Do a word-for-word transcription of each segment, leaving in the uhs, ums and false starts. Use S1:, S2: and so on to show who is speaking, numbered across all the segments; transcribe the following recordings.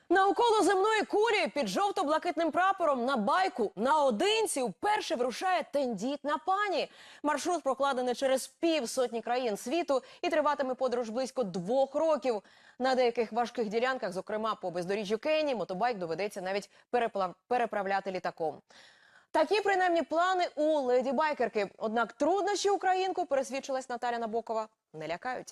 S1: Навколо земної кулі під жовто-блакитним прапором на байку наодинці вперше вирушає тендітна пані. Маршрут прокладений через півсотні країн світу і триватиме подорож близько двох років. На деяких важких ділянках, зокрема по бездоріжжю Кенії, мотобайк доведеться навіть переплав... переправляти літаком. Такі принаймні плани у леді-байкерки. Однак труднощі українку, пересвідчилась Наталя Набокова, не лякають.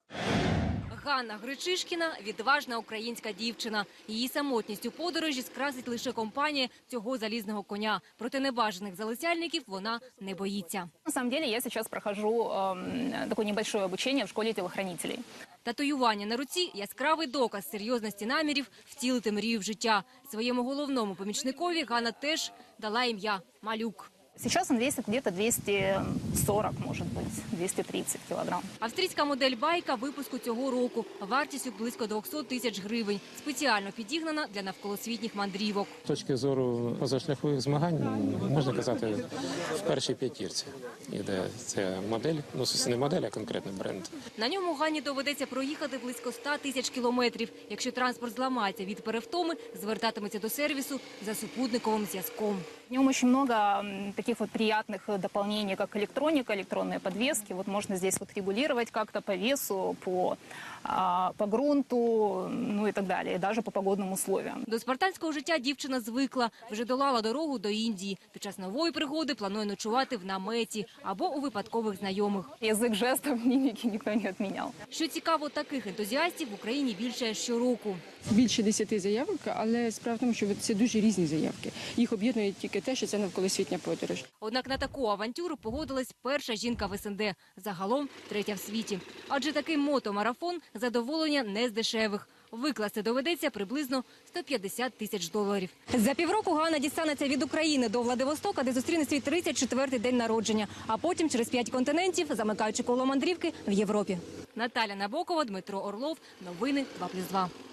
S2: Ганна Гречишкіна – відважна українська дівчина. Її самотність у подорожі скрасить лише компанія цього залізного коня. Проти небажаних залицяльників вона не боїться.
S3: На самом деле я сейчас прохожу э, такое небольшое обучение в школе телохранителей.
S2: Татуювання на руці – яскравий доказ серйозності намірів втілити мрію в життя. Своєму головному помічникові Ганна теж дала ім'я – Малюк.
S3: Сейчас он весит где-то двести сорок, может быть, двести тридцать килограмм.
S2: Австрійська модель байка випуску цього року. Вартістю близько двохсот тисяч гривень. Спеціально підігнана для навколосвітніх мандрівок.
S4: З точки зору позашляхових змагань, можна казати, в першій п'ятірці іде ця модель. Ну, не модель, а конкретний бренд.
S2: На ньому Ганні доведеться проїхати близько ста тисяч кілометрів. Якщо транспорт зламається від перевтоми, звертатиметься до сервісу за супутниковим зв'язком.
S3: В нем очень много таких вот приятных дополнений, как электроника, электронные подвески. Вот можно здесь вот регулировать как-то по весу, по, а, по грунту, ну и так далее, и даже по погодным условиям.
S2: До спартанського життя дівчина звикла. Вже долала дорогу до Індії. Під час нової пригоди планує ночувати в наметі або у випадкових знайомих.
S3: Язык жестов, мимики никто не отменял.
S2: Що цікаво, таких ентузіастів в Україні більше щороку.
S5: Більше десяти заявок, але справа в тому, що це дуже різні заявки. Їх об'єднує тільки те, що це навколосвітня подорож.
S2: Однак на таку авантюру погодилась перша жінка в ес ен де, загалом третя в світі. Адже такий мотомарафон – задоволення не з дешевих. Викласти доведеться приблизно сто п'ятдесят тисяч доларів. За півроку Ганна дістанеться від України до Владивостока, де зустріне свій тридцять четвертий день народження. А потім через п'ять континентів, замикаючи коло мандрівки в Європі. Наталя Набокова, Дмитро Орлов. Новини два плюс два.